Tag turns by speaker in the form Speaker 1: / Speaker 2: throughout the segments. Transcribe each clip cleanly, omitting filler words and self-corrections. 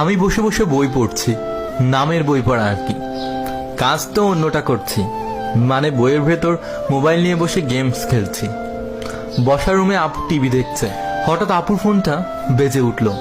Speaker 1: আমি বসে বসে বই পড়ছি, নামের বই পড়া আর কি। কাজ তো অন্যটা করছি, মানে বইয়ের ভেতর মোবাইল নিয়ে বসে গেমস খেলছি। বসার রুমে আপু টিভি দেখছে, হঠাৎ আপুর ফোনটা বেজে উঠলো।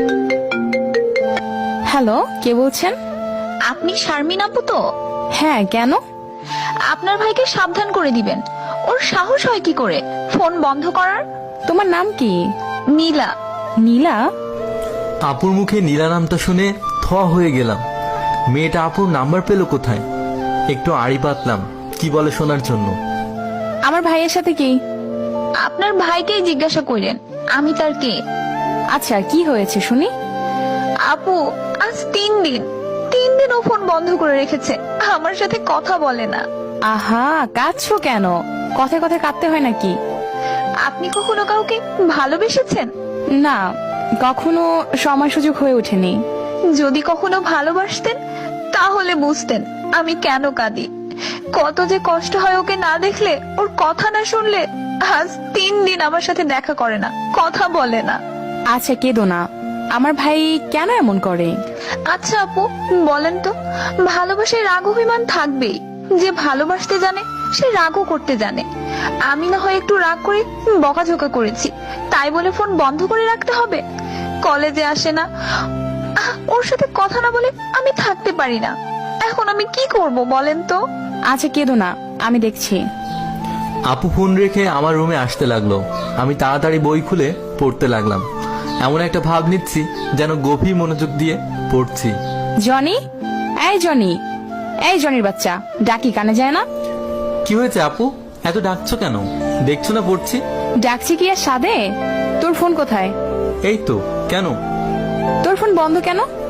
Speaker 2: হ্যালো, কে বলছেন?
Speaker 3: আপনি শারমিন আপু তো?
Speaker 2: হ্যাঁ, কেন?
Speaker 3: আপনার ভাইকে সাবধান করে দিবেন, ওর সাহস হয় কি করে ফোন বন্ধ করার।
Speaker 2: তোমার নাম কি?
Speaker 3: নীলা।
Speaker 2: নীলা?
Speaker 1: আপুর মুখে নীলা নামটা শুনে থ হয়ে গেলাম। মেয়েটা আপুর নাম্বার পেল কোথায়? একটু আড়ি পাতলাম কি বলে শোনার জন্য।
Speaker 2: আমার ভাইয়ের সাথে কি?
Speaker 3: আপনার ভাইকেই জিজ্ঞাসা করেন আমি তার কে।
Speaker 2: আচ্ছা, কি হয়েছে শুনি।
Speaker 3: আপু আজ 3 দিন ও ফোন বন্ধ করে রেখেছে, আমার সাথে কথা বলে না।
Speaker 2: আহা, কাঁদছো কেন? কথায় কথায় কাঁদতে হয় নাকি?
Speaker 3: আপনি কখনো কাউকে ভালোবেসেছেন?
Speaker 2: না, কখনো সময় সুযোগ হয়ে ওঠেনি।
Speaker 3: যদি কখনো ভালোবাসতেন তাহলে বুঝতেন আমি কেন কাঁদি। কত যে কষ্ট হয় ওকে না দেখলে, ওর কথা না শুনলে। আজ 3 দিন আমার সাথে দেখা করে না, কথা বলে না।
Speaker 2: আচ্ছা, কেঁদো না। আমার ভাই কেন এমন করে?
Speaker 3: আচ্ছা আপু বলেন তো, ভালোবাসায় রাগ অভিমান থাকবেই। যে ভালোবাসতে জানে সে রাগও করতে জানে। আমি না হয় একটু রাগ করে বকাঝোকা করেছি, তাই বলে ফোন বন্ধ করে রাখতে হবে? কলেজে আসে না, ওর সাথে কথা না বলে আমি থাকতে পারি না। এখন আমি কি করব বলেন তো?
Speaker 2: আচ্ছা, কেঁদো না, আমি দেখছি।
Speaker 1: আপু ফোন রেখে আমার রুমে আসতে লাগলো। আমি তাড়াতাড়ি বই খুলে পড়তে লাগলাম। এমন একটা ভাব নিচ্ছি যেন গভীর মনোযোগ দিয়ে পড়ছি।
Speaker 2: জনি, এই জনি, এই জনির বাচ্চা, ডাকি কানে যায় না?
Speaker 1: কি হয়েছে আপু, এত ডাকছো কেন? দেখছো না পড়ছি।
Speaker 2: ডাকছি কি আর সাদে? তোর ফোন কোথায়?
Speaker 1: এই তো। কেন?
Speaker 2: তোর ফোন বন্ধ কেন?